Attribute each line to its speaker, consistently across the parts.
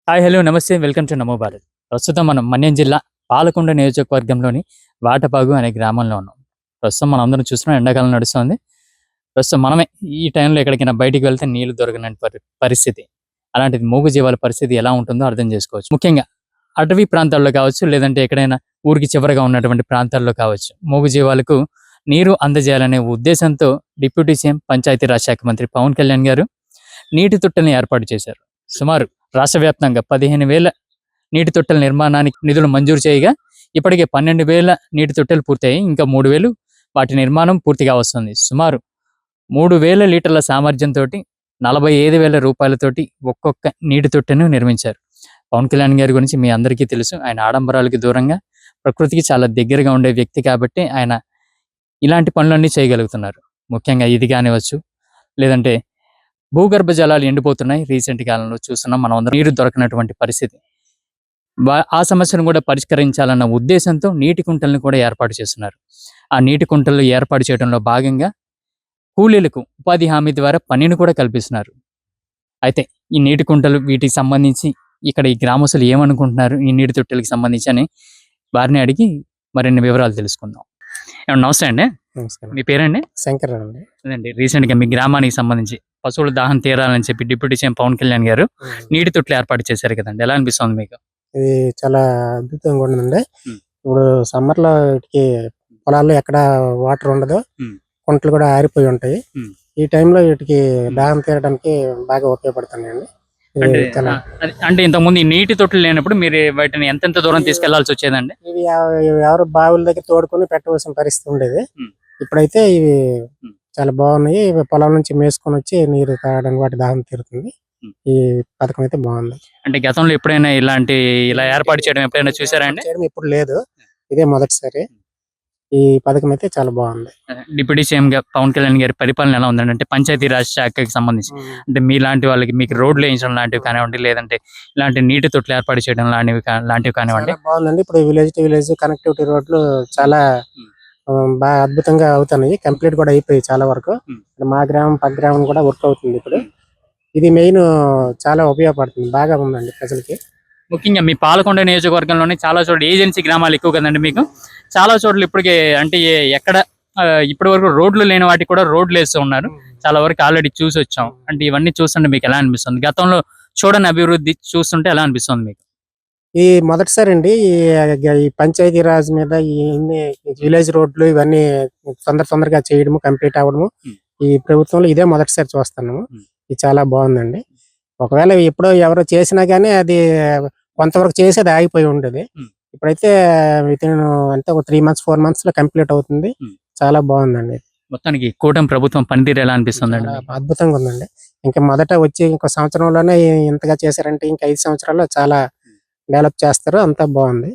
Speaker 1: Hi hello నమస్తే welcome to Namo Bharat. ప్రస్తుతం మనం మన్యం జిల్లా పాలకొండ నియోజకవర్గంలోని వాటపాగు అనే గ్రామంలో ఉన్నాం. ప్రస్తుతం మనం అందరం చూస్తున్నాం, ఎండాకాలం నడుస్తుంది. ప్రస్తుతం మనమే ఈ టైంలో ఎక్కడికైనా బయటికి వెళ్తే నీళ్లు దొరకని పరిస్థితి. అలాంటిది మూగజీవాల పరిస్థితి ఎలా ఉంటుందో అర్థం చేసుకోవచ్చు. ముఖ్యంగా అటవీ ప్రాంతాల్లో కావచ్చు, లేదంటే ఎక్కడైనా ఊరికి చివరగా ఉన్నటువంటి ప్రాంతాల్లో కావచ్చు, మూగజీవాలకు నీరు అందజేయాలనే ఉద్దేశంతో డిప్యూటీ సీఎం పంచాయతీరాజ్ శాఖ మంత్రి పవన్ కళ్యాణ్ గారు నీటి తొట్టెల్ని ఏర్పాటు చేశారు. సుమారు రాష్ట్ర వ్యాప్తంగా 15,000 నీటి తొట్టెల నిర్మాణానికి నిధులు మంజూరు చేయగా ఇప్పటికే 12,000 నీటి తొట్టెలు పూర్తయి ఇంకా 3,000 వాటి నిర్మాణం పూర్తిగా వస్తుంది. సుమారు 3,000 లీటర్ల సామర్థ్యంతో 45,000 రూపాయలతోటి ఒక్కొక్క నీటి తొట్టెను నిర్మించారు. పవన్ కళ్యాణ్ గారి గురించి మీ అందరికీ తెలుసు. ఆయన ఆడంబరాలకి దూరంగా ప్రకృతికి చాలా దగ్గరగా ఉండే వ్యక్తి కాబట్టి ఆయన ఇలాంటి పనులన్నీ చేయగలుగుతున్నారు. ముఖ్యంగా ఇది కానివచ్చు, లేదంటే భూగర్భ జలాలు ఎండిపోతున్నాయి. రీసెంట్ కాలంలో చూస్తున్నాం మనం అందరం, నీరు దొరకనటువంటి పరిస్థితి. ఆ సమస్యను కూడా పరిష్కరించాలన్న ఉద్దేశంతో నీటి కుంటలను కూడా ఏర్పాటు చేస్తున్నారు. ఆ నీటి కుంటలు ఏర్పాటు చేయడంలో భాగంగా కూలీలకు ఉపాధి హామీ ద్వారా పనిని కూడా కల్పిస్తున్నారు. అయితే ఈ నీటి కుంటలు వీటికి సంబంధించి ఇక్కడ ఈ గ్రామస్తులు ఏమనుకుంటున్నారు ఈ నీటి తొట్టెలకు సంబంధించి అని వారిని అడిగి మరిన్ని వివరాలు తెలుసుకుందాం. నమస్తే అండి.
Speaker 2: నమస్కారం.
Speaker 1: మీ పేరండి?
Speaker 2: శంకర్ అండి.
Speaker 1: అదండి, రీసెంట్ గా మీ గ్రామానికి సంబంధించి పశువుల దాహం తీరాలని చెప్పి డిప్యూటీ సీఎం పవన్ కళ్యాణ్ గారు నీటి తొట్లు ఏర్పాటు చేశారు కదండి, ఎలా అనిపిస్తుంది మీకు?
Speaker 2: ఇది చాలా అద్భుతంగా ఉందండి. ఇప్పుడు సమ్మర్ లో వీటికి పొలాల్లో ఎక్కడ వాటర్ ఉండదు, కుంటలు కూడా ఆరిపోయి ఉంటాయి. ఈ టైంలో వీటికి దాహం తీరడానికి బాగా ఉపయోగపడుతున్నాయండి.
Speaker 1: అంటే ఇంతకుముందు ఈ నీటి తొట్లు లేనప్పుడు మీరు వాటిని ఎంతెంత దూరం తీసుకెళ్లాల్సి వచ్చేదండి?
Speaker 2: ఇవి ఎవరు బావుల దగ్గర తోడుకొని పెట్టవలసిన పరిస్థితి ఉండేది. ఇప్పుడైతే ఇవి చాలా బాగున్నాయి. పొలం నుంచి మేసుకొని వచ్చి నీరు తాగడానికి వాటి దాహం తీరుతుంది. ఈ పథకం అయితే బాగుంది.
Speaker 1: అంటే గతంలో ఎప్పుడైనా ఇలా ఏర్పాటు చేయడం ఎప్పుడైనా చూసారా అండి?
Speaker 2: ఇప్పుడు లేదు, ఇదే మొదటిసారి. ఈ పథకం అయితే చాలా బాగుంది.
Speaker 1: డిప్యూటీ సీఎం గా పవన్ కళ్యాణ్ గారి పరిపాలన ఎలా ఉందండి? అంటే పంచాయతీరాజ్ శాఖకి సంబంధించి అంటే మీలాంటి వాళ్ళకి మీకు రోడ్లు వేయించడం లాంటివి కానివ్వండి, లేదంటే ఇలాంటి నీటి తొట్లు ఏర్పాటు చేయడం లాంటివి కానివ్వండి.
Speaker 2: బాగుందండి. ఇప్పుడు విలేజ్ టు విలేజ్ కనెక్టివిటీ రోడ్లు చాలా బాగా అద్భుతంగా అవుతున్నాయి. కంప్లీట్ కూడా అయిపోయి చాలా వరకు. మా గ్రామం పక్క గ్రామం కూడా వర్క్ అవుతుంది. ఇప్పుడు ఇది మెయిన్ చాలా ఉపయోగపడుతుంది, బాగా ఉందండి ప్రజలకి.
Speaker 1: ముఖ్యంగా మీ పాలకొండ నియోజకవర్గంలోనే చాలా చోట్ల ఏజెన్సీ గ్రామాలు ఎక్కువ కదండి మీకు. చాలా చోట్ల ఇప్పటికే అంటే ఎక్కడ ఇప్పటి వరకు రోడ్లు లేని వాటికి కూడా రోడ్లు వేస్తూ ఉన్నారు. చాలా వరకు ఆల్రెడీ చూసి వచ్చాం. అంటే ఇవన్నీ చూస్తుంటే మీకు ఎలా అనిపిస్తుంది? గతంలో చూడని అభివృద్ధి చూస్తుంటే ఎలా అనిపిస్తుంది మీకు?
Speaker 2: ఈ మొదటిసారి అండి ఈ పంచాయతీ రాజ్ మీద ఈ విలేజ్ రోడ్లు ఇవన్నీ తొందరగా చేయడము, కంప్లీట్ అవ్వడము ఈ ప్రభుత్వంలో ఇదే మొదటిసారి చూస్తున్నాము. ఇది చాలా బాగుందండి. ఒకవేళ ఎప్పుడో ఎవరో చేసినా గానీ అది కొంతవరకు చేసేది ఆగిపోయి ఉండేది. ఇప్పుడైతే వితిన్ అంటే ఒక 3 months 4 months లో కంప్లీట్ అవుతుంది. చాలా బాగుందండి.
Speaker 1: మొత్తానికి కూటమి ప్రభుత్వం పనితీరు ఎలా అనిపిస్తుంది?
Speaker 2: అద్భుతంగా ఉందండి. ఇంకా మొదట వచ్చి ఇంకో సంవత్సరంలోనే ఇంతగా చేశారంటే ఇంకా 5 సంవత్సరాల్లో చాలా డెవలప్ చేస్తారు. అంతా బాగుంది.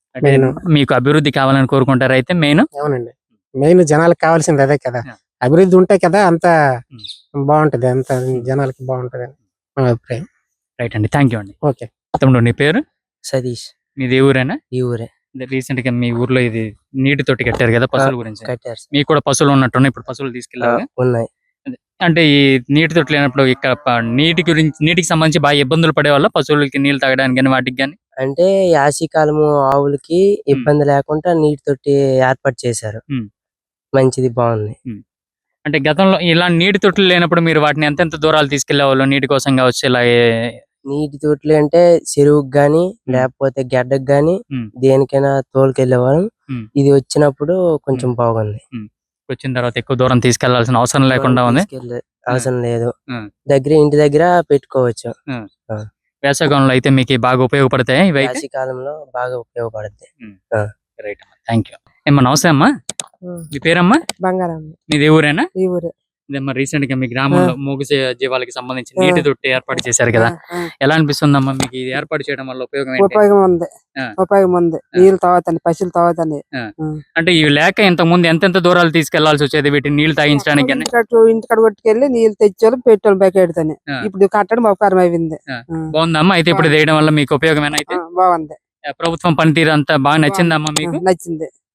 Speaker 1: మీకు అభివృద్ధి కావాలని కోరుకుంటారు అయితే మెయిన్?
Speaker 2: అవునండి, మెయిన్ జనాలకు కావాల్సింది అదే కదా. అభివృద్ధి ఉంటే కదా అంత బాగుంటది, అంత జనాలకి బాగుంటది అని మా అభిప్రాయం.
Speaker 1: రైట్ అండి, థ్యాంక్ యూ అండి.
Speaker 2: ఓకే.
Speaker 1: తమ్ముడు నీ పేరు?
Speaker 3: సతీష్.
Speaker 1: మీది ఊరేనా?
Speaker 3: ఈ ఊరే.
Speaker 1: రీసెంట్ గా మీ ఊర్లో ఇది నీటి తోటి కట్టారు కదా, పశువుల గురించి.
Speaker 3: కట్టారు.
Speaker 1: మీకు కూడా పశువులు ఉన్నట్టున్నాయి, ఇప్పుడు పశువులు తీసుకెళ్ళాలి.
Speaker 3: ఉన్నాయి.
Speaker 1: అంటే ఈ నీటి తొట్టి లేనప్పుడు ఇక్కడ నీటికి సంబంధించి బాగా ఇబ్బందులు పడే వాళ్ళ పశువులకి నీళ్లు తాగడానికి కానీ వాటికి కానీ?
Speaker 3: అంటే యాసీకాలము ఆవులకి ఇబ్బంది లేకుండా నీటి తొట్టి ఏర్పాటు చేశారు. మంచిది, బాగుంది.
Speaker 1: అంటే గతంలో ఇలా నీటి తొట్లు లేనప్పుడు మీరు వాటిని ఎంతెంత దూరాలు తీసుకెళ్లేవాళ్ళు నీటి కోసం కావచ్చు? ఇలా
Speaker 3: నీటి తొట్లు అంటే చెరువుకి గాని లేకపోతే గడ్డకు గాని దేనికైనా తోలుకెళ్లేవాళ్ళం. ఇది వచ్చినప్పుడు కొంచెం బాగుంది.
Speaker 1: వచ్చిన తర్వాత ఎక్కువ దూరం తీసుకెళ్లాల్సిన అవసరం లేకుండా ఉంది.
Speaker 3: అవసరం లేదు, దగ్గర ఇంటి దగ్గర పెట్టుకోవచ్చు.
Speaker 1: వేసవికాలంలో అయితే మీకు బాగా ఉపయోగపడతాయి.
Speaker 3: వేసవికాలంలో బాగా ఉపయోగపడతాయి.
Speaker 1: రైట్ అమ్మా, థ్యాంక్ యూ. ఏమ్మా నమస్తే అమ్మా. మీ పేరమ్మా?
Speaker 2: బంగారం.
Speaker 1: మీది ఊరేనా?
Speaker 2: ఈ ఊరే.
Speaker 1: ఇదమ్మా, రీసెంట్ గా మీ గ్రామంలో మూగ జీవాలకి సంబంధించి నీటి తొట్టి ఏర్పాటు చేశారు కదా, ఎలా అనిపిస్తుందమ్మా మీకు? ఇది ఏర్పాటు చేయడం వల్ల ఉపయోగం
Speaker 2: ఉంది. నీళ్ళు తాగుతాయి, పశువులు తాగుతాయి.
Speaker 1: అంటే ఇవి లేక ఇంతకు ముందు ఎంతెంత దూరాలు తీసుకెళ్లాల్సి వచ్చేది వీటిని నీళ్లు తాగించడానికి?
Speaker 2: ఇంటికాడ కొట్టుకెళ్ళి నీళ్ళు తెచ్చారు, పెట్రోల్ బకెట్తోనే. ఇప్పుడు కట్టడం ఉపకారం అయింది.
Speaker 1: బాగుందమ్మా. అయితే ఇప్పుడు చేయడం వల్ల మీకు ఉపయోగమేనా? అయితే
Speaker 2: బాగుంది.
Speaker 1: ప్రభుత్వం పనితీరు అంతా బాగా నచ్చిందమ్మా మీకు?
Speaker 2: నచ్చింది.